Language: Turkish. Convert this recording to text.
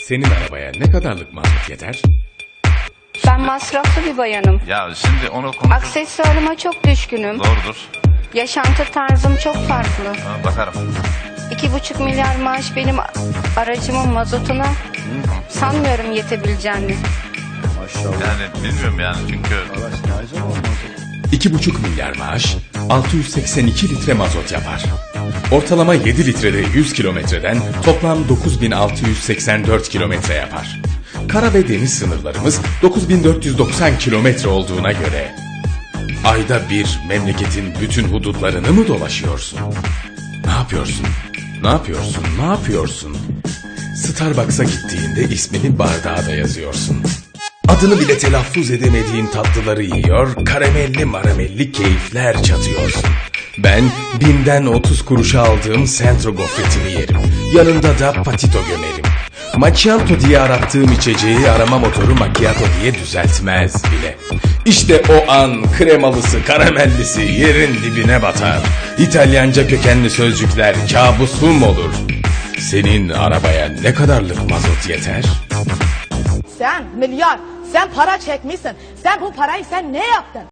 Senin arabaya ne kadarlık mazot yeter? Ben masraflı bir bayanım. Ya şimdi onu konuş. Aksesuarıma çok düşkünüm. Doğrudur. Yaşantı tarzım çok farklı. Ha, bakarım. 2,5 milyar maaş benim aracımın mazotuna sanmıyorum yetebileceğini. Yani bilmiyorum yani çünkü 2,5 milyar maaş 682 litre mazot yapar. Ortalama 7 litrede 100 kilometreden toplam 9684 kilometre yapar. Kara ve deniz sınırlarımız 9490 kilometre olduğuna göre ayda bir memleketin bütün hudutlarını mı dolaşıyorsun? Ne yapıyorsun? Ne yapıyorsun? Ne yapıyorsun? Starbucks'a gittiğinde ismini bardağa da yazıyorsun. Adını bile telaffuz edemediğin tatlıları yiyor, karamelli maramelli keyifler çatıyorsun. Ben 1000'den 30 kuruşa aldığım Centro gofretini yerim. Yanında da patito gömerim. Macchiato diye arattığım içeceği arama motoru macchiato diye düzeltmez bile. İşte o an kremalısı, karamellisi yerin dibine batar. İtalyanca kökenli sözcükler kabusum olur. Senin arabaya ne kadarlık mazot yeter? Sen milyar, sen para çekmişsin. Sen bu parayı sen ne yaptın?